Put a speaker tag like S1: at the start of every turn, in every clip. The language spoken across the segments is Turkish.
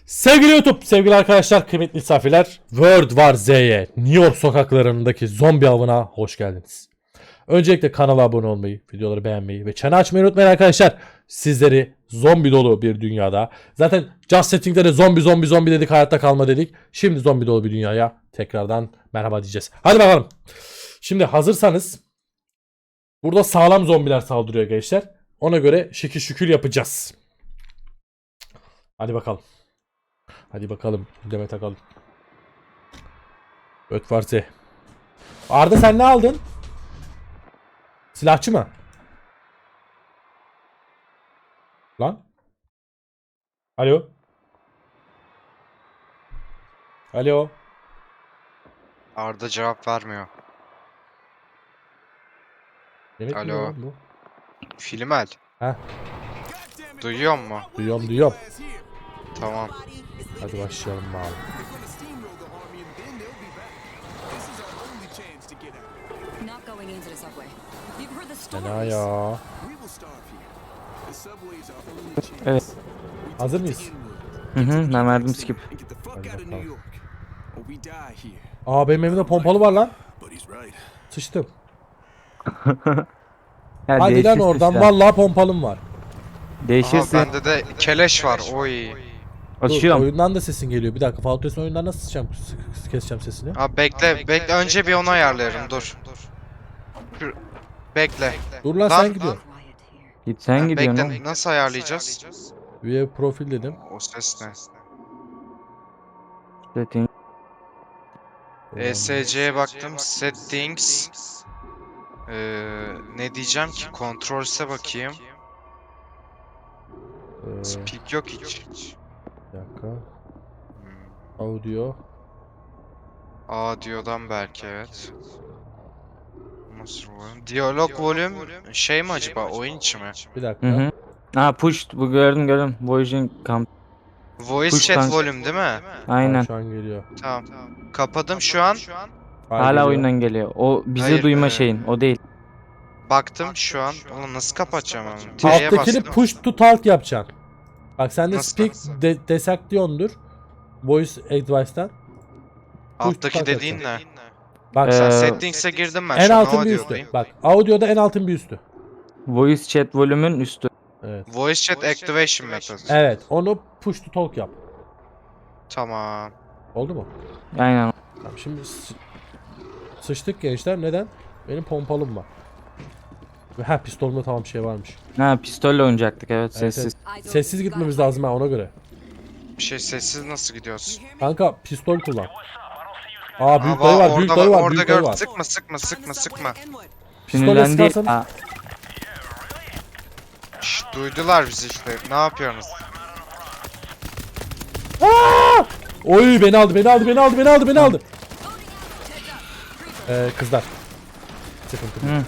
S1: Sevgili YouTube, sevgili arkadaşlar, kıymetli misafirler, World War Z'ye, New York sokaklarındaki zombi avına hoş geldiniz. Öncelikle kanala abone olmayı, videoları beğenmeyi ve çanı açmayı unutmayın arkadaşlar. Sizleri zombi dolu bir dünyada, zaten Just Setting'de de zombi dedik, hayatta kalma dedik. Şimdi zombi dolu bir dünyaya tekrardan merhaba diyeceğiz. Hadi bakalım. Şimdi hazırsanız, burada sağlam zombiler saldırıyor gençler. Ona göre şekil şükür yapacağız. Hadi bakalım. Hadi bakalım. Demet takalım. Öt varsa. Arda sen ne aldın? Silahçı mı? Lan? Alo? Alo?
S2: Arda cevap vermiyor.
S1: Demet mi
S2: Alo.
S1: lan bu?
S2: Filmel.
S1: Heh.
S2: Duyuyor mu?
S1: Duyuyorum.
S2: Tamam.
S1: Hadi başlayalım abi. Fena ya.
S3: Evet.
S1: Hazır mıyız?
S3: Ben verdim skip.
S1: Hadi bakalım. Aa benim elimde pompalı var lan. Sıçtım.
S3: Ya
S1: Hadi lan
S3: değişirsin
S1: oradan,
S3: sen.
S1: vallahi pompalım var.
S2: Aha
S3: Değişirsin.
S2: bende de keleş var. Oy.
S1: Dur,
S3: Açıyorum.
S1: oyundan da sesin geliyor. Bir dakika, Fall Guys'ın oyundan nasıl keseceğim sesini?
S2: Ha bekle. Önce bir onu ayarlayalım. Dur. Bekle.
S1: Dur lan,
S2: Lan,
S1: sen gidiyorsun.
S3: Git sen
S2: Ha,
S3: gidiyorsun
S2: bekle.
S3: oğlum.
S2: Nasıl ayarlayacağız?
S1: Üye profil dedim.
S2: O ses ne?
S3: Setting.
S2: ESC'ye baktım. Settings. Ne diyeceğim ki? Controls'e bakayım. Speak yok hiç.
S1: Bir dakika. Audio.
S2: Audio'dan belki evet. Nasıl volüm? Diyalog volüm şey mi acaba? Oyun içi mi?
S1: Bir dakika.
S3: Hı. Ha push bu gördüm. Voyaging camp.
S2: Voice
S3: Push
S2: chat
S3: kanka.
S2: volüm değil mi?
S3: Aynen.
S1: Şu an geliyor.
S2: Tamam. Kapadım şu an.
S3: Hala
S1: geliyor.
S3: oyundan geliyor. O bizi
S2: Hayır,
S3: duyma şeyin. O değil.
S2: Baktım şu an. Onu nasıl kapatacağım onu? T'ye
S1: Alttakini
S2: bastım.
S1: push to talk yapacaksın. Bak sende
S2: Nasıl?
S1: speak desaktiyondur. Voice advice'tan.
S2: Alttaki
S1: talk
S2: dediğin ne?
S1: Bak
S2: Sen
S3: Ee,
S2: settings'e girdim ben
S1: en
S2: şu an.
S1: altın bir üstü. Bak audio'da en altın bir üstü.
S3: Voice chat volümün üstü.
S1: Evet.
S2: Voice chat activation method.
S1: Evet, onu push to talk yap.
S2: Tamam.
S1: Oldu mu?
S3: Aynen.
S1: Tamam, şimdi sıçtık gençler. Neden? Benim pompalım var. Ve pistolumda tamam şey varmış.
S3: Ha pistolle oynayacaktık evet
S1: Evet,
S3: sessiz.
S1: Sessiz gitmemiz lazım ha, ona göre.
S2: Bir şey sessiz nasıl gidiyorsun?
S1: Kanka pistol kullan. Aa büyük
S2: Aa,
S1: dayı var, büyük dayı var,
S2: orada
S1: büyük dayı
S2: gör.
S1: var.
S2: Sıkma.
S3: Sinirlendi.
S1: sıkarsan-
S3: Ha,
S2: Şşş, duydular bizi işte. Ne yapıyorsunuz?
S1: Oy beni aldı. Kızlar. Sıkıntı.
S3: Hı.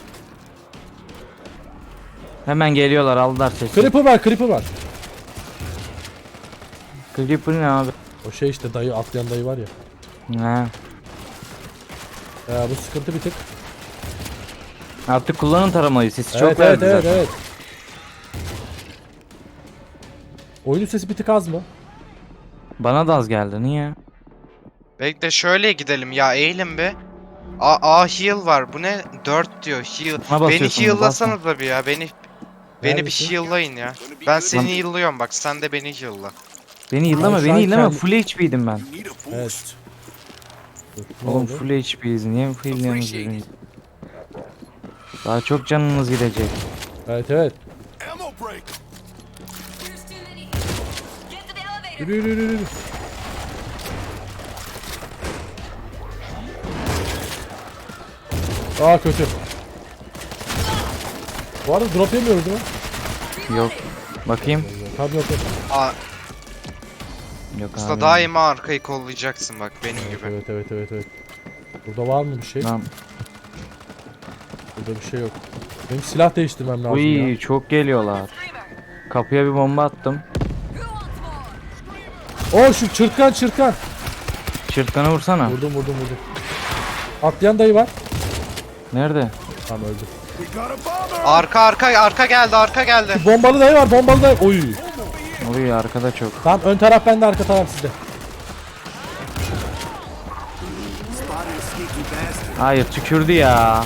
S3: Hemen geliyorlar aldılar sesi.
S1: Creeper var.
S3: Creeper ne abi?
S1: O şey işte, dayı, atlayan dayı var ya.
S3: Ha.
S1: Bu sıkıntı bir tık.
S3: Artık kullanın taramayı sesi çok
S1: Evet,
S3: verdi zaten.
S1: evet. Oyunun sesi bir tık az mı?
S3: Bana da az geldi niye?
S2: Bekle şöyle gidelim ya, eğilin be. A heal var. Bu ne? 4 diyor heal.
S3: Buna
S2: Beni
S3: basıyorsun,
S2: heal'lasanız da bir ya. Beni
S1: Neredesin?
S2: bir heal'layın ya. Ben seni heal'lıyorum bak. Sen de beni heal'la.
S3: Beni yıllama
S1: Ben şu
S3: beni
S1: an
S3: yıllama
S1: kendi-
S3: full HP'ydim ben.
S1: Evet. Dur, ne
S3: Oğlum
S1: oldu?
S3: full HP'yiz niye full yalnız birbiriniz? Daha çok canınız gidecek.
S1: Evet. Yürü. Aa kötü. Bu arada drop yemiyoruz değil mi?
S3: Yok. Bakayım.
S1: Tabii yok.
S2: Aa,
S3: Yok
S2: usta
S3: abi.
S2: daima arkayı kollayacaksın bak benim gibi.
S1: Evet. Burada var mı bir şey?
S3: Tamam.
S1: Burada bir şey yok. Benim silah değiştirmem lazım
S3: Uy
S1: ya.
S3: çok geliyorlar. Kapıya bir bomba attım.
S1: Oo şu çırtkan.
S3: Çırtkanı vursana.
S1: Vurdum. Atlayan dayı var.
S3: Nerede?
S1: Tamam, öldü.
S2: Arka geldi.
S1: Bombalı dayı var. Oy.
S3: Oluyor arkada çok.
S1: Tamam ön taraf bende, arka taraf sizde.
S3: Hayır tükürdü ya.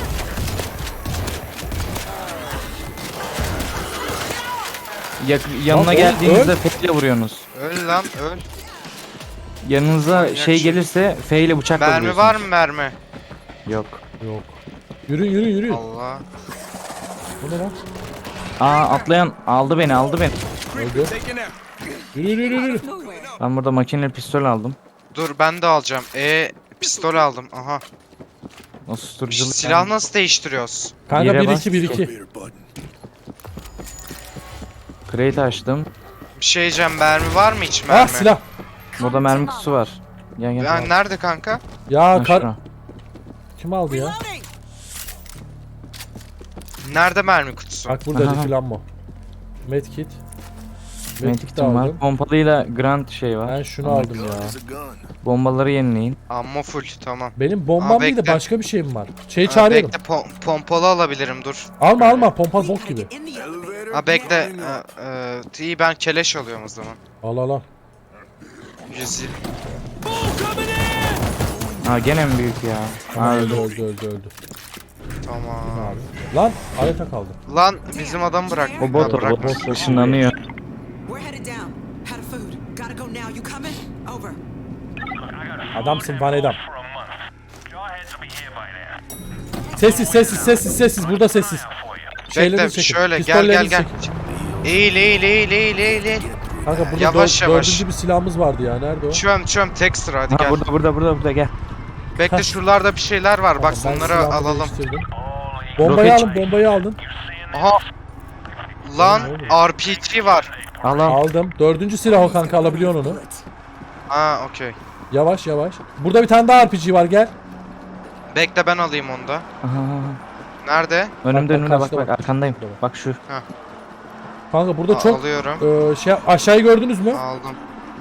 S3: Yanına
S1: Lan
S3: geldiğinizde F ile vuruyorsunuz.
S2: Öl lan öl.
S3: Yanınıza
S2: Manyak
S3: şey
S2: şey.
S3: gelirse F ile bıçakla
S2: Mermi
S3: vuruyorsunuz.
S2: var mı mermi?
S3: Yok.
S1: Yok. Yürü.
S2: Allah.
S1: Bu ne lan?
S3: Atlayan aldı beni.
S1: Öldü. Yürü.
S3: Ben burada makineli pistol aldım.
S2: Dur ben de alacağım. Pistol aldım. Aha.
S3: O susturuculuk.
S2: Silah nasıl değiştiriyoruz?
S1: Kanka
S3: Yere
S1: 1-2.
S3: Crate açtım.
S2: Bir şey diyeceğim, mermi var mı hiç mermi?
S1: Ah silah.
S3: Burada mermi kutusu var. Gel.
S2: Ya nerede kanka?
S1: Ya
S3: Ha, şura.
S1: kim aldı ya?
S2: Nerede mermi kutusu?
S1: Bak burada
S3: Aha.
S1: filan mı? Medkit. Medkit de
S3: Medkit'im var.
S1: aldım.
S3: Pompalıyla Grant şey var.
S1: Ben şunu aldım ya.
S3: Bombaları yenileyin.
S2: Ammo full, tamam.
S1: Benim bombam değil de
S2: bekle.
S1: başka bir şeyim var. Şeyi
S2: Ha,
S1: çağırıyorum.
S2: bekle, pompalı alabilirim, dur.
S1: Alma pompa bok gibi.
S2: Ha bekle. İyi, ben keleş alıyorum o zaman.
S1: Al.
S2: 120.
S3: Gene mi büyük ya?
S1: Tamam,
S3: Öldü.
S1: öldü.
S2: Tamam.
S1: Abi. Lan aleta kaldı.
S2: Lan bizim adam bırak.
S3: O bot
S2: Ha, bırak.
S3: bot ışınlanıyor.
S4: We're headed down. Had a food. Gotta go now. You coming? Over.
S1: Adamsın Van Edam. Sessiz. Burada sessiz. Şeyleri
S2: Bekle
S1: çekin.
S2: şöyle, gel
S1: Pistolleri
S2: gel.
S1: çekin.
S2: Eğil.
S1: Kanka burada
S2: Yavaş, yavaş.
S1: dördüncü bir silahımız vardı ya. Nerede o?
S2: Çöm tek sıra, hadi gel.
S3: Burada gel.
S2: Bekle,
S1: Heh.
S2: şuralarda bir şeyler var, bak
S1: Ben
S2: onları
S1: silahımı
S2: alalım.
S1: değiştirdim. Bombayı
S3: Roket-
S1: alın, bombayı aldın.
S2: Aha. Lan
S1: Oğlum.
S2: RPG var.
S3: Al.
S1: Aldım. Dördüncü silah o kanka, alabiliyorsun onu.
S2: Ha okey.
S1: Yavaş. Burada bir tane daha RPG var, gel.
S2: Bekle ben alayım onu da.
S3: Aha.
S2: Nerede?
S3: Önümde
S1: Bak,
S3: bak
S1: karşıda bak.
S3: arkandayım.
S1: Burada bak.
S3: Bak şu.
S1: Kanka burada çok
S2: Alıyorum.
S1: aşağıyı gördünüz mü?
S2: Aldım.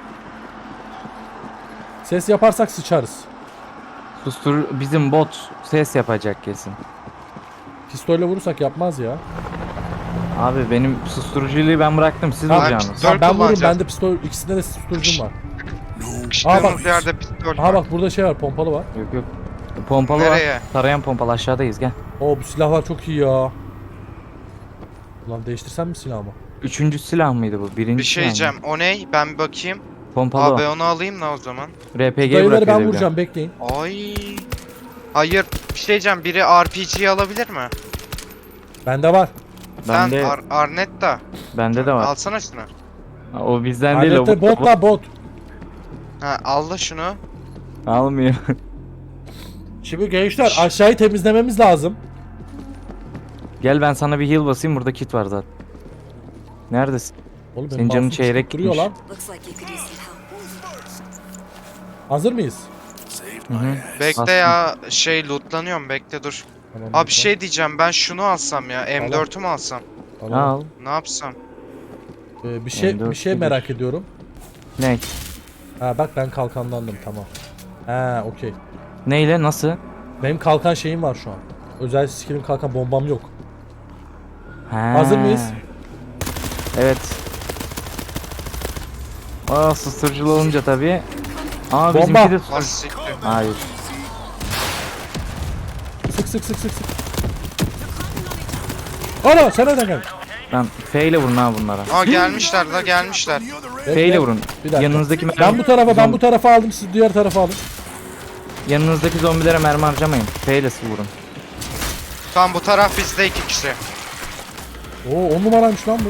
S1: Ses yaparsak sıçarız.
S3: Bizim bot ses yapacak kesin.
S1: Pistolle vurursak yapmaz ya.
S3: Abi benim susturuculuğu ben bıraktım. Siz
S1: Ha,
S3: vuracaksınız.
S2: pistol
S1: Ben vururum,
S2: kullanacağız.
S1: bende pistol, ikisinde de susturucum var.
S2: Sıkıştığımız
S1: bak.
S2: yerde pistol
S1: Aha
S2: var.
S1: bak burada şey var, pompalı var.
S3: Yok. Pompalı
S2: Nereye?
S3: var. Tarayan pompalı aşağıdayız gel.
S1: Oo bu silahlar çok iyi ya. Ulan değiştirsem mi silahımı?
S3: Üçüncü silah mıydı bu? Birinci
S2: Bir şey
S3: silah mı?
S2: diyeceğim. O ne? Ben bir bakayım.
S3: Pompalı
S2: Abi
S3: o.
S2: onu alayım da o zaman.
S3: RPG
S1: Dayıları
S3: bırakıyor.
S1: ben
S3: bir de.
S1: vuracağım, bekleyin.
S2: Ay. Hayır. Bir şey diyeceğim. Biri RPG'yi alabilir mi?
S1: Bende var.
S2: Sen
S3: Bende,
S2: Arnetta.
S3: bende de var.
S2: Alsana şunu.
S3: O bizden değil o.
S1: Alette bot la bot.
S2: Ha al da şunu.
S3: Almıyor.
S1: Şimdi gençler aşağıyı temizlememiz lazım.
S3: Gel ben sana bir heal basayım, burada kit var zaten. Neredesin?
S1: Oğlum
S3: Senin canın
S1: mouse'um
S3: çeyrek
S1: çıkıp duruyor
S3: gitmiş.
S1: lan.
S4: Looks like you could use some help.
S1: Hazır mıyız?
S3: Hı-hı.
S2: Bekle
S3: Bastım.
S2: ya. Loklanıyorum. Bekle dur.
S1: Tamam,
S2: Abi
S1: lütfen.
S2: şey diyeceğim. Ben şunu alsam ya. M4'ü mü alsam?
S1: Tamam.
S3: Al.
S2: Ne yapsam?
S1: Bir şey
S3: M4
S1: merak ediyorum.
S3: Ne?
S1: Ha bak ben kalkanlandım, tamam. Ha okey.
S3: Neyle? Nasıl?
S1: Benim kalkan şeyim var şu an. Özel skill'im kalkan, bombam yok.
S3: Ha.
S1: Hazır mıyız?
S3: Evet. Susturuculu olunca tabii. Aa
S1: Bomba.
S3: bizimki de
S2: Az siktir.
S3: Hayır.
S1: Sık. Ana sen nereden geldin?
S3: Lan F ile vurun ha bunlara.
S2: Aa gelmişler la gelmişler.
S3: F ile vurun.
S1: Bir dakika.
S3: Yanınızdaki
S1: Ben bu tarafa aldım, siz diğer tarafa alın.
S3: Yanınızdaki zombilere mermi harcamayın. F ile vurun.
S2: Tam bu taraf bizde 2 kişi.
S1: Oo 10 numaraymış lan bu.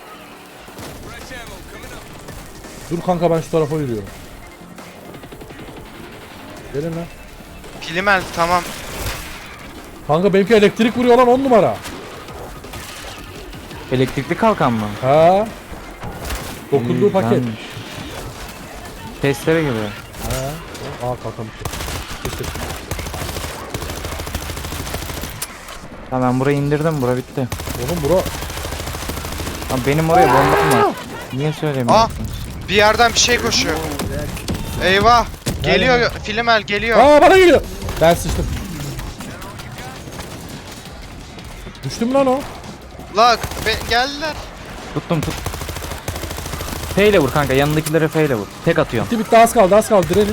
S1: Dur kanka ben şu tarafa yürüyorum. Gelin lan.
S2: Pilimel tamam.
S1: Kanka benimki elektrik vuruyor lan, 10 numara.
S3: Elektrikli kalkan mı?
S1: Ha. Dokunduğu paket.
S3: Güzelmiş. Testere geliyor.
S1: Ha. Aa kalkan bitti. İşte.
S3: Tamam ben burayı indirdim, bura bitti.
S1: Oğlum bura.
S3: Abi benim oraya bombam var. Niye söylemiyorsunuz?
S2: Bir yerden bir şey koşuyor. Eyvah. Geliyor Filimel geliyor.
S1: Aa bana geliyor. Ben sıçtım. Düştüm lan o.
S2: La geldiler.
S3: Tuttum tut. F ile vur kanka, yanındakilere F ile vur. Tek atıyorsun.
S1: Bitti az kaldı az kaldı direnin.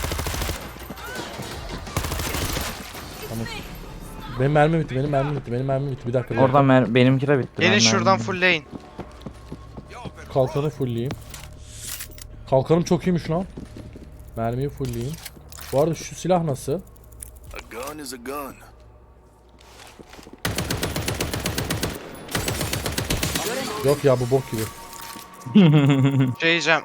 S1: Tamam. Benim mermi bitti benim mermi bitti benim mermi bitti bir dakika.
S3: Oradan benimki de bitti.
S2: Gelin
S3: Ben
S2: şuradan
S3: mermim-
S2: fullleyin.
S1: Kalkanı fullleyeyim. Kalkanım çok iyiymiş lan. Mermiyi fullleyeyim. Bu arada şu silah nasıl?
S5: A gun is a gun.
S1: Yok ya bu bok gibi.
S2: Şey diyeceğim.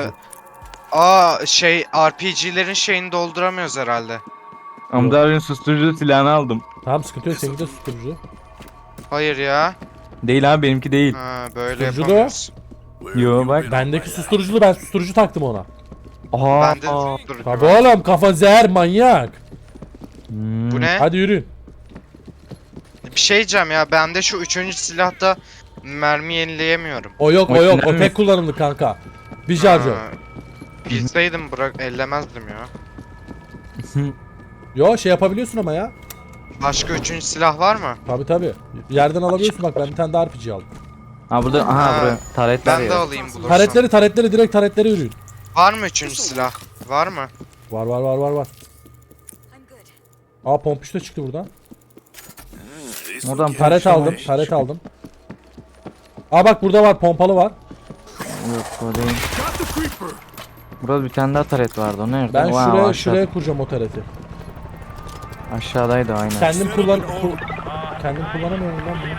S2: RPG'lerin şeyini dolduramıyoruz herhalde.
S3: Hamza abinin susturucu silahını aldım.
S1: Tamam sıkıntı yok seninki de susturucu.
S2: Hayır ya.
S3: Değil abi, benimki değil.
S2: Ha, böyle
S1: Susturucu da
S2: yapamıyoruz.
S5: Where
S3: Yo,
S5: have you
S3: bak.
S5: been
S1: Bendeki
S5: all my
S1: susturuculu ben susturucu taktım ona.
S3: Aha.
S2: Bende de susturucu
S1: Tabi
S2: var.
S1: oğlum kafa zehir manyak.
S3: Hmm.
S2: Bu ne?
S1: Hadi yürüyün.
S2: Bir şey diyeceğim ya. Bende şu 3. silahta mermi yenileyemiyorum.
S1: O yok o
S3: O
S1: yok o
S3: önemli.
S1: tek kullanımlık kanka. Bir şarjör.
S2: Ha, bilseydim bırak ellemezdim ya.
S1: Yo şey yapabiliyorsun ama ya.
S2: Başka 3. silah var mı?
S1: Tabi. Yerden alabiliyorsun bak ben bir tane daha RPG aldım.
S3: Ha burada, aha
S2: Ha,
S3: buraya taretler
S2: Ben de
S3: ya.
S2: alayım bulursam.
S1: Taretleri direkt taretlere yürüyün.
S2: Var mı 3. silah? Var mı?
S1: Var. Aa pompiş de çıktı buradan.
S5: This
S3: Oradan
S5: will
S1: Taret
S3: Tamam.
S1: aldım taret aldım. Aa bak burada var pompalı var.
S3: Yok o değil.
S5: got the creeper.
S3: Burada bir tane daha taret vardı, o nerede?
S1: Ben
S3: Wow,
S1: şuraya
S3: aşağı-
S1: şuraya kuracağım o tareti.
S3: Aşağıdaydı aynen.
S1: Kendim kendim kullanamıyorum lan bunu.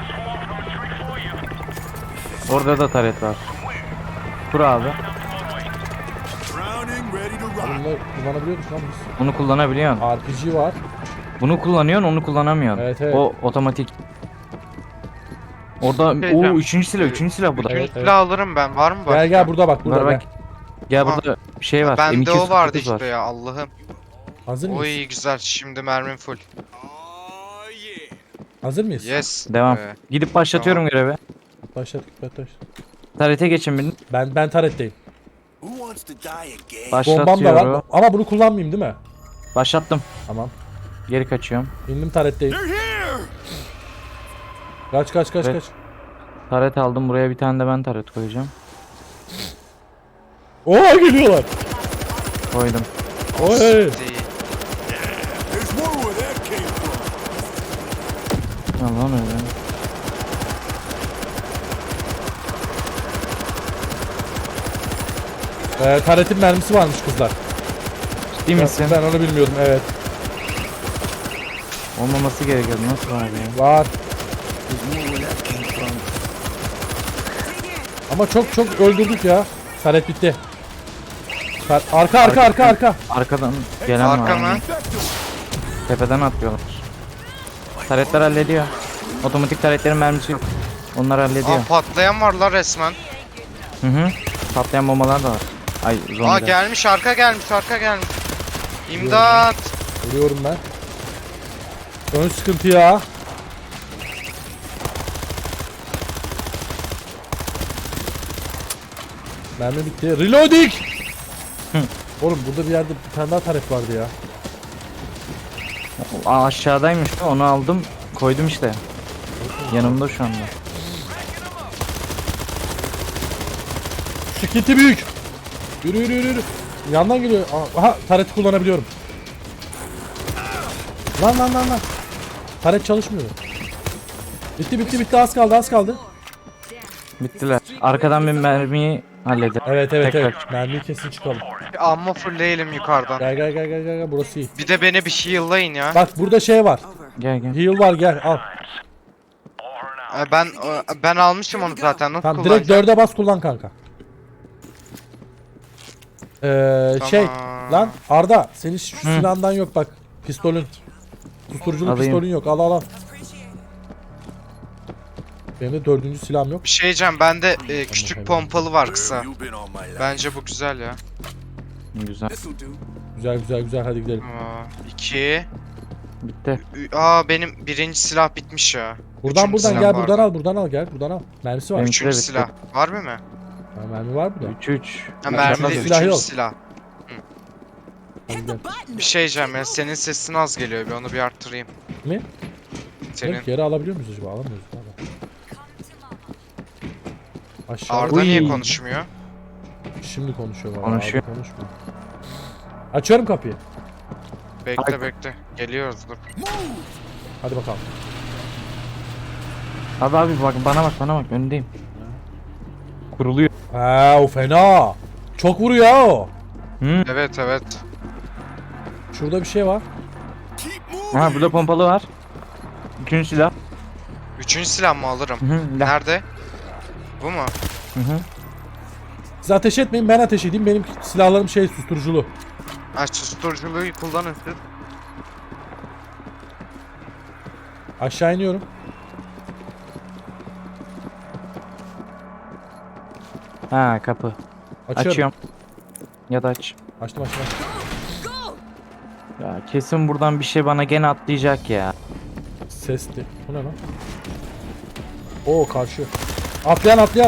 S3: Orada da taret var. Kur abi.
S5: Drowning, ready to rock.
S1: Bunları kullanabiliyoruz lan biz.
S3: Bunu kullanabiliyorsun.
S1: RPG var.
S3: Bunu kullanıyorsun, onu kullanamıyorsun.
S1: Evet.
S3: O otomatik. Orada
S2: Diyeceğim.
S3: üçüncü silah bu da.
S2: 3.
S1: Evet,
S2: silah alırım ben. Var mı başka?
S1: Gel burada bak burada
S3: Var
S1: gel.
S3: bak. Gel burada bir şey var.
S2: Bende o vardı
S3: M249 var.
S2: işte ya Allah'ım.
S1: Hazır mıyız?
S2: Oy güzel. Şimdi mermim full.
S5: Oh yeah.
S1: Hazır mıyız?
S2: Yes.
S3: Devam.
S2: Ee,
S3: Gidip başlatıyorum görevi.
S1: Başladık.
S3: Tarete geçin birini.
S1: Ben taretteyim.
S5: Who wants to die again?
S1: Bombam da var
S3: Başlatıyorum.
S1: ama bunu kullanmayayım değil mi?
S3: Başlattım.
S1: Tamam.
S3: Geri kaçıyorum.
S1: İndim taretteyim.
S5: They're here.
S1: Kaç.
S3: Evet. Taret aldım. Buraya bir tane de ben taret koyacağım.
S1: Oo geliyorlar.
S3: Koydum.
S1: Oy.
S2: değil.
S5: There's more where that came from.
S3: Tamam öyle.
S1: Taretin mermisi varmış kızlar.
S3: Ciddi misin?
S1: Ben onu bilmiyordum evet.
S3: Olmaması gerekiyordu. Nasıl var ya?
S1: Var.
S5: There's more where that came from.
S1: Ama çok öldürdük ya. Taret bitti. Arka.
S3: Arkadan gelen
S2: Arka
S3: var.
S2: mı?
S3: Tepeden atlıyorlar. Taretler hallediyor. Otomatik taretlerin mermisi yok. Onlar hallediyor.
S2: Aa patlayan var la resmen.
S3: Hı hı. Patlayan bombalar da var. Ay zombiler.
S2: Aa gelmiş arka gelmiş. İmdat.
S1: Vuruyorum ben. Ön sıkıntı ya. Mermi bitti. Reloading. Oğlum burada bir yerde bir tane daha taret vardı ya.
S3: Aa, aşağıdaymış. Onu aldım. Koydum işte. Yanımda şu anda.
S1: Sıkıntı büyük. Yürü. Yandan geliyor. Aha tareti kullanabiliyorum. Lan. Taret çalışmıyor. Bitti az kaldı.
S3: Bittiler. Arkadan bir mermiyi halledin.
S1: Evet.
S3: Tekrar.
S1: Mermiyi kesin çıkalım.
S2: Amma fullleyelim yukarıdan.
S1: Gel burası iyi.
S2: Bir de beni bir heal'layın ya.
S1: Bak burada şey var.
S4: Over.
S3: Gel.
S1: Heal var gel al.
S2: Ben almışım onu zaten. Nasıl
S1: Tamam direkt
S2: kullanacağım?
S1: 4'e bas kullan kanka. Şey lan Arda senin şu silahından yok bak. Pistolün. Susturuculu
S3: Alayım.
S1: pistolün yok. Al. Benim de 4. silahım yok.
S2: Bir şey diyeceğim. Bende küçük
S1: tamam.
S2: pompalı var
S5: Where
S2: kısa.
S5: have you been all my life?
S2: Bence bu güzel ya.
S3: Güzel.
S5: This'll do.
S1: Güzel hadi gidelim.
S2: 2.
S3: Bitti.
S2: Benim 1. silah bitmiş ya.
S1: Buradan
S2: Üçüncü silah
S1: gel
S2: var
S1: buradan
S2: mı?
S1: al buradan al gel buradan al. Mermisi var.
S3: Benim-
S2: 3.
S3: Evet,
S2: silah. Var mı?
S1: Ha, mermi var burada.
S3: 3.
S2: Ha,
S1: Ben-
S2: mermi
S1: bende
S2: değil,
S1: silah
S2: 3.
S1: yok.
S2: silah.
S1: Hadi gel.
S2: Bir şey diyeceğim ya. Senin sesin az geliyor. Bir onu bir arttırayım.
S1: Ne?
S2: Senin.
S1: Yok, geri alabiliyor muyuz acaba? Alamıyoruz galiba. Aşağı.
S2: Arda
S3: Uy.
S2: niye konuşmuyor?
S1: Şimdi konuşuyor baba.
S3: Konuşuyor.
S1: Abi konuşma. Açıyorum kapıyı.
S2: Bekle bekle. Geliyoruz dur.
S1: Hadi bakalım.
S3: Abi bak bana bak önündeyim. Kuruluyor.
S1: Ha o fena. Çok vuruyor ha o.
S2: Evet evet.
S1: Şurada bir şey var.
S5: Keep moving.
S3: Ha burada pompalı var. Üçüncü silah.
S2: Üçüncü silah mı alırım?
S3: Hı hı.
S2: Nerede? Bu mu?
S3: Hı hı.
S1: Siz ateş etmeyin, ben ateş edeyim. Benim silahlarım şey susturuculu.
S2: Ha susturuculuğu kullanın siz.
S1: Aşağı iniyorum.
S3: Ha kapı.
S1: Açıyorum.
S3: Açıyorum. Ya da aç.
S1: Açtım açtım.
S3: Ya kesin buradan bir şey bana gene atlayacak ya.
S1: Sesli. Bu ne lan? Oo karşı. Atlayan. Ben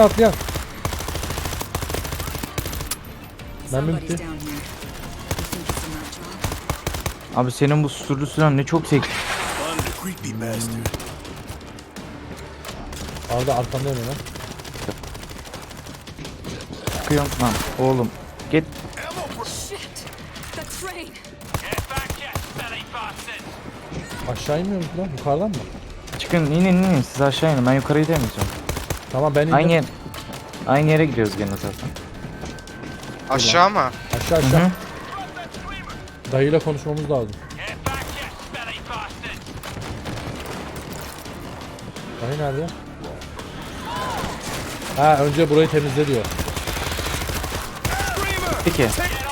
S4: Somebody's
S1: bitti.
S4: down here. You think it's a nut job?
S3: Abi senin bu susturucu silahın ne çok seksi.
S5: Spotted a creepy bastard.
S1: Arada arkamdayım hemen.
S3: Çıkıyorum lan oğlum. Git.
S4: Shit! The train!
S1: Aşağı inmiyor musun lan? Yukarıdan mı?
S3: Çıkın inin siz aşağı inin ben yukarıyı demeyeceğim.
S1: Tamam ben indim.
S3: Aynı yere gidiyoruz gene zaten.
S2: Aşağı mı?
S1: Aşağı
S3: Hı
S1: aşağı.
S3: hı.
S1: Dayıyla konuşmamız lazım. Dayı nerede? Ha önce burayı temizle diyor.
S3: Peki.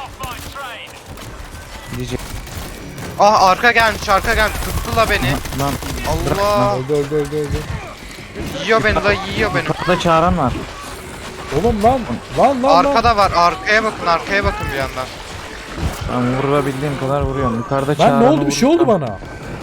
S3: Diyecek.
S2: Ah arka gelmiş. Tuttu la beni.
S3: Lan
S2: Allah.
S1: Öldü.
S2: Yiyor beni la yiyor beni.
S3: kapıda çağıran var.
S1: Oğlum lan.
S2: Arkada var. Arkaya bakın bir yandan.
S3: Ben vurabildiğim kadar vuruyorum. Yukarıda
S1: Lan
S3: çağıran
S1: ne oldu? Bir şey oldu bana.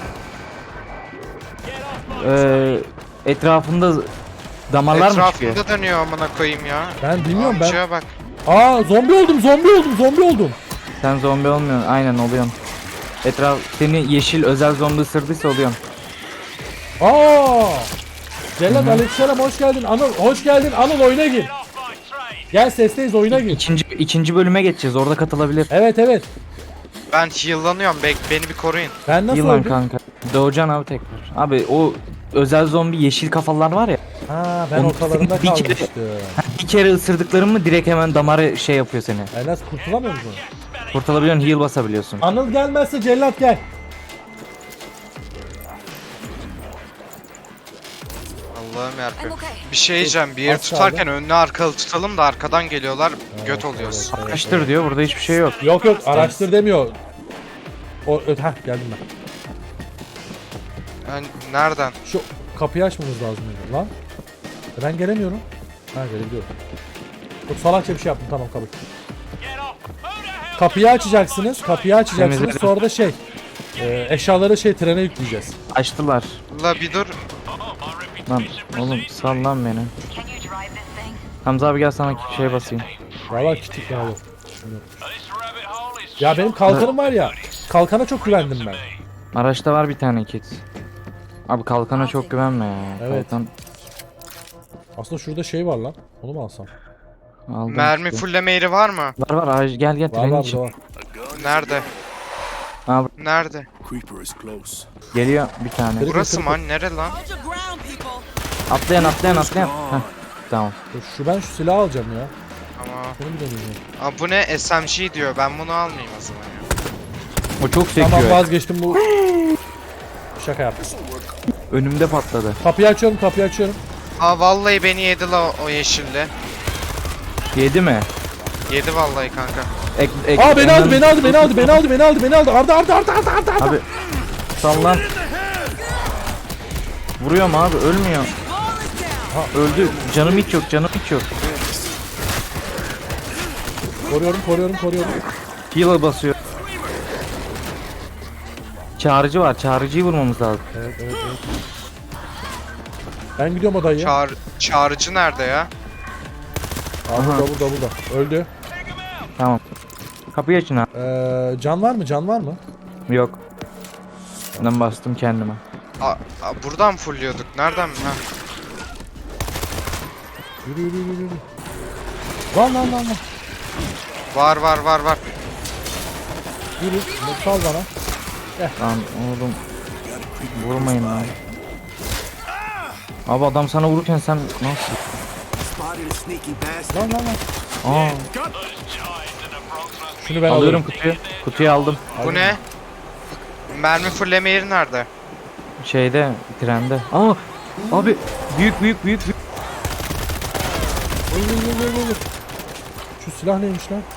S3: Etrafında damarlar mı çıkıyor?
S2: Etrafında dönüyor amına koyayım ya.
S1: Ben bilmiyorum ben.
S2: Amcaya bak.
S1: Aa zombi oldum.
S3: Sen zombi olmuyorsun. Aynen oluyorsun. Etraf seni yeşil özel zombi ısırdıysa oluyorsun.
S1: Aa! Cellat aleykümselam hoş geldin. Anıl hoş geldin. Anıl oyuna gir. Gel sesteyiz oyuna gir.
S3: İkinci bölüme geçeceğiz. Orada katılabilir.
S1: Evet.
S2: Ben heal'lanıyorum. Beni bir koruyun.
S1: Ben nasıl
S3: Yılan
S1: öldüm?
S3: kanka. Doğacan abi tekrar. Abi o özel zombi yeşil kafalar var ya.
S1: Ha ben
S3: Onu
S1: ortalarında
S3: bir kere-
S1: kalmıştım.
S3: Bir kere ısırdıkların mı direkt hemen damarı şey yapıyor seni.
S1: Ben nasıl kurtulamıyor musun?
S3: Kurtulabiliyorsun, heal basabiliyorsun.
S1: Anıl gelmezse cellat gel.
S2: Allah'ım
S4: I'm
S2: yarabbim.
S4: okay.
S2: Bir şey diyeceğim. Bir yeri
S1: Az
S2: tutarken önüne arkalı tutalım da arkadan geliyorlar. Göt oluyoruz.
S3: Araştır diyor, burada hiçbir şey yok.
S1: Yok araştır demiyor. Geldim ben.
S2: Yani nereden?
S1: Şu kapıyı açmamız lazım benim lan. Ben gelemiyorum. Ha gelebiliyorum. Çok salakça bir şey yaptım tamam kabul. Kapıyı açacaksınız.
S3: Temizledim.
S1: Sonra da eşyaları trene yükleyeceğiz.
S3: Açtılar.
S2: La bir dur.
S3: Lan oğlum sal lan beni. Hamza abi gel sana şey basayım.
S1: Valla kitik ya oğlum. Ya benim kalkanım var ya. Kalkana çok güvendim ben.
S3: Araçta var bir tane kit. Abi kalkana çok güvenme ya.
S1: Evet.
S3: Kalkan
S1: Aslında şurada şey var lan. Onu mu alsam?
S3: aldım
S2: Mermi
S3: işte.
S2: fulleme yeri var mı?
S3: Var gel
S1: Var
S3: trenin
S1: var
S3: için.
S1: burada var.
S5: A gun.
S2: Nerede?
S3: Abi
S2: Nerede?
S5: Creeper is close.
S3: geliyor bir tane.
S1: Kırık.
S2: Burası mı? Hani nere lan?
S4: Hold your ground, people!
S3: Atlayan. Heh, tamam.
S1: Ben şu silahı alacağım ya.
S2: Ama
S1: Bunu bir deneyeceğim.
S2: Aa, bu ne? SMG diyor. Ben bunu almayayım o zaman ya.
S3: O çok sekiyor.
S1: Tamam vazgeçtim bu. Şaka yaptım.
S3: Önümde patladı.
S1: Kapıyı açıyorum.
S2: Aa vallahi beni yedi la o yeşilli.
S3: Yedi mi?
S2: Yedi vallahi kanka.
S1: Aa beni aldı. Arda.
S3: Abi sallan. Vuruyorum abi ölmüyor. Öldü. Canım hiç yok.
S1: Koruyorum.
S3: Heal'a basıyor. Çağrıcı var. Çağrıcıyı vurmamız lazım.
S1: Evet. Ben gidiyorum o dayıya.
S2: Çağrıcı nerede ya?
S1: Aa, burada. Öldü.
S3: Tamam. Kapıyı açın abi.
S1: Can var mı?
S3: Yok. Ben bastım kendime.
S2: Aa, buradan fullliyorduk. Nereden? Ha.
S1: Yürü. Lan.
S2: Var var var var.
S1: Yürü. Sal bana.
S3: Lan oğlum. Vurmayın lan. Abi adam sana vururken sen nasıl?
S5: Spotted a sneaky bastard.
S1: Lan lan lan.
S3: Aa,
S1: Şunu ben
S3: alıyorum
S1: alıyorum.
S3: kutuyu. Kutuyu aldım.
S2: Bu ne? Mermi fırlama yeri nerede?
S3: Şeyde, trende. Aa, abi büyük.
S1: Vur. Şu silah neymiş lan?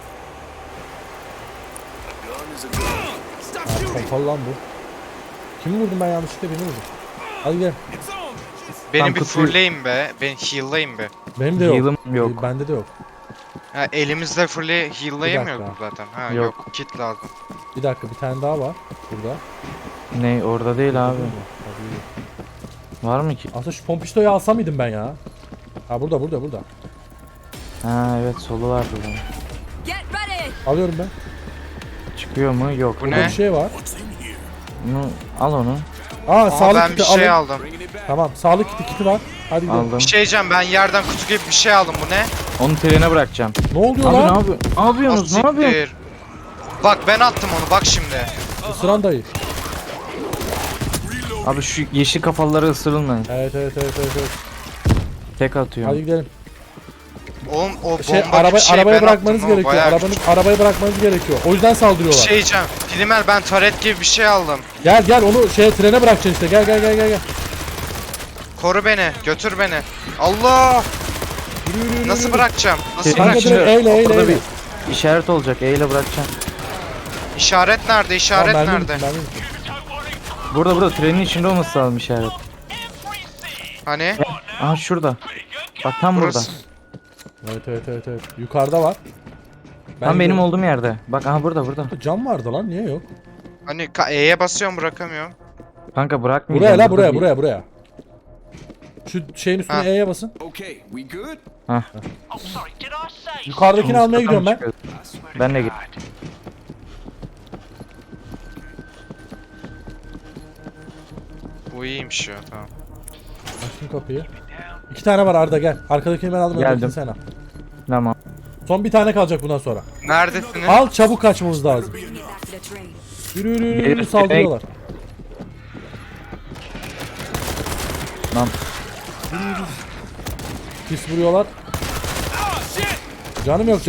S5: Gun is a gun.
S1: Ha, pompalı lan bu. Kimi vurdum ben yanlışlıkla, beni vurdum. Hadi gel.
S2: Beni
S3: Tam
S2: bir
S3: kutuyu-
S2: fırlayın be. Beni heal'layın be.
S1: Benim de yok.
S3: Heal'ım yok.
S1: Bende de yok.
S2: Ha, elimizle heal'layamıyorduk
S1: dakika.
S2: zaten. Ha
S3: Yok.
S2: yok. Kit lazım.
S1: Bir dakika, bir tane daha var burada.
S3: Ne orada değil abi.
S1: Hadi.
S3: Var mı ki?
S1: Aslında şu pompiştoyu alsam mıydım ben ya? Ha burada.
S3: Ha evet solu var burada.
S4: Get ready!
S1: Alıyorum ben.
S3: Çıkıyor mu? Yok.
S2: Bu
S1: Burada
S2: ne?
S1: bir şey var.
S5: What's in here?
S3: Bunu, al onu.
S1: Aa,
S2: Aa,
S1: sağlık
S2: ben
S1: kiti
S2: bir şey
S1: alın.
S2: aldım.
S5: Bringing it back.
S1: Tamam, sağlık kiti var. Hadi gidelim.
S3: Aldım.
S2: Bir şey diyeceğim, ben yerden kutu gibi bir şey aldım. Bu ne?
S3: Onu trene bırakacağım.
S1: Ne oluyor
S3: Abi
S1: lan?
S3: ne yapıyorsun? Ne yapıyorsunuz? Ne yapıyorsun?
S2: Asiktir. Bak ben attım onu, bak şimdi.
S1: Isıran dayı.
S3: Abi şu yeşil kafalıları ısırılmayın.
S1: Evet.
S3: Tek atıyorum.
S1: Hadi gidelim.
S2: Oğlum o bomba
S1: Şey,
S2: gibi şey
S1: arabaya
S2: ben
S1: bırakmanız
S2: attım. O
S1: gerekiyor.
S2: bayağı
S1: Arabaya bırakmanız gerekiyor. O yüzden
S2: bir
S1: saldırıyorlar.
S2: şey diyeceğim. Primer, ben taret gibi bir şey aldım.
S1: Gel onu trene bırakacaksın işte. Gel.
S2: Koru beni, götür beni. Allah!
S1: Yürü.
S2: Nasıl bırakacağım? Nasıl
S3: Kanka
S1: Kanka
S2: bırakacağım?
S1: direkt eyle.
S3: Orada bir işaret olacak. Eyle bırakacağım.
S2: İşaret nerede? İşaret
S1: Tamam,
S2: nerede?
S1: ben de.
S3: Burada trenin içinde olması lazım işaret.
S2: Hani?
S3: Aha şurada. Bak tam
S2: Burası.
S3: burada.
S1: Evet. Yukarıda var.
S3: Tam benim
S1: gidiyorum.
S3: olduğum yerde. Bak aha burada.
S1: Cam vardı lan, niye yok?
S2: Hani E'ye basıyorum, bırakamıyorum.
S3: Kanka bırakmayacağım.
S1: Buraya
S3: Burada bir-
S1: buraya. Şu şeyin üstüne
S2: Ha.
S1: E'ye basın.
S5: Okay, we good?
S1: Yukarıdakini
S3: Üst
S1: almaya
S3: kata
S1: gidiyorum
S3: mı
S1: ben.
S3: çıkıyoruz? Ben de git.
S2: Bu iyiymiş ya, tamam.
S1: Açtım kapıyı. 2 tane var Arda, gel. Arkadakini ben aldım.
S3: Geldim.
S1: öndekini sen al.
S3: Tamam.
S1: Son bir tane kalacak bundan sonra.
S2: Neredesiniz?
S1: Al, çabuk kaçmamız lazım.
S4: Bring it back to the train.
S1: Yürü saldırıyorlar.
S3: Lan
S1: Pis vuruyorlar. Canım yok.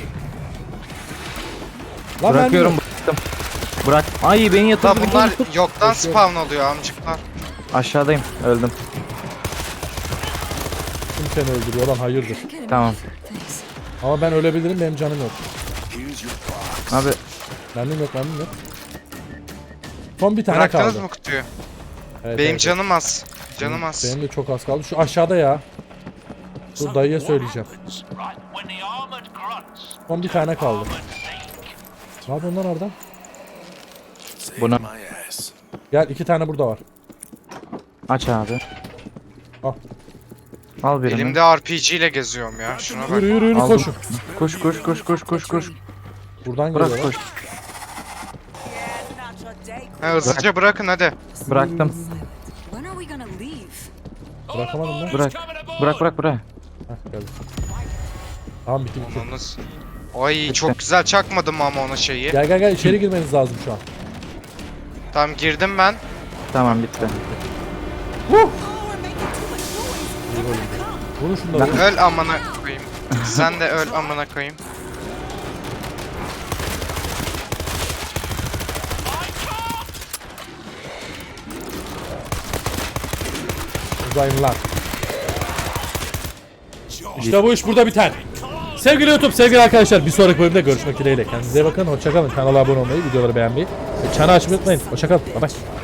S1: Lan
S3: bırakıyorum
S1: ben
S3: bıraktım. Bırak. Ay beni
S2: Da
S3: yatırdı.
S2: bunlar yoktan spawn oluyor amcıklar.
S3: Aşağıdayım. Öldüm.
S1: kim seni öldürüyor lan, hayırdır.
S3: Tamam.
S1: Ama ben ölebilirim, benim canım yok.
S5: Here's your box.
S3: Abi
S1: Mermim yok. Son bir tane
S2: Bıraktınız
S1: kaldı.
S2: mı kutuyu?
S1: Evet,
S2: Benim
S1: evet.
S2: canım az. Canım az.
S1: Benim de çok az kaldı. Şu aşağıda ya. Dur, dayıya söyleyeceğim. Son bir tane kaldı. Ne yapıyorsun lan oradan?
S3: Buna-
S5: My ass.
S1: Gel, 2 tane burada var.
S3: aç abi.
S1: Al.
S3: Al birini.
S2: Elimde RPG ile geziyorum ya. Şuna bak.
S1: Yürü
S3: Aldım.
S1: koşun.
S3: Koş.
S1: Buradan
S3: Bırak
S1: geliyorlar.
S3: koş.
S2: Ha, hızlıca bırakın hadi.
S3: Bıraktım.
S4: When are we gonna leave?
S1: Bırakamadım lan.
S3: Bırak.
S1: Heh, geldi. Tamam, bitti.
S2: Ananız. Ay çok güzel çakmadım ama ona şeyi.
S1: Gel içeri girmeniz lazım şu an.
S2: Tamam girdim ben.
S3: Tamam bitti.
S4: Oh, we're making too much noise.
S1: Vurun şunları. vurun.
S2: Öl amına koyayım. Sen de öl amına koyayım.
S1: Uzayın lan. İşte bu iş burada biter. Sevgili YouTube, sevgili arkadaşlar, bir sonraki bölümde görüşmek dileğiyle. Kendinize iyi bakın, hoşçakalın. Kanala abone olmayı, videoları beğenmeyi ve çanı açmayı unutmayın. Hoşçakalın. Bye bye.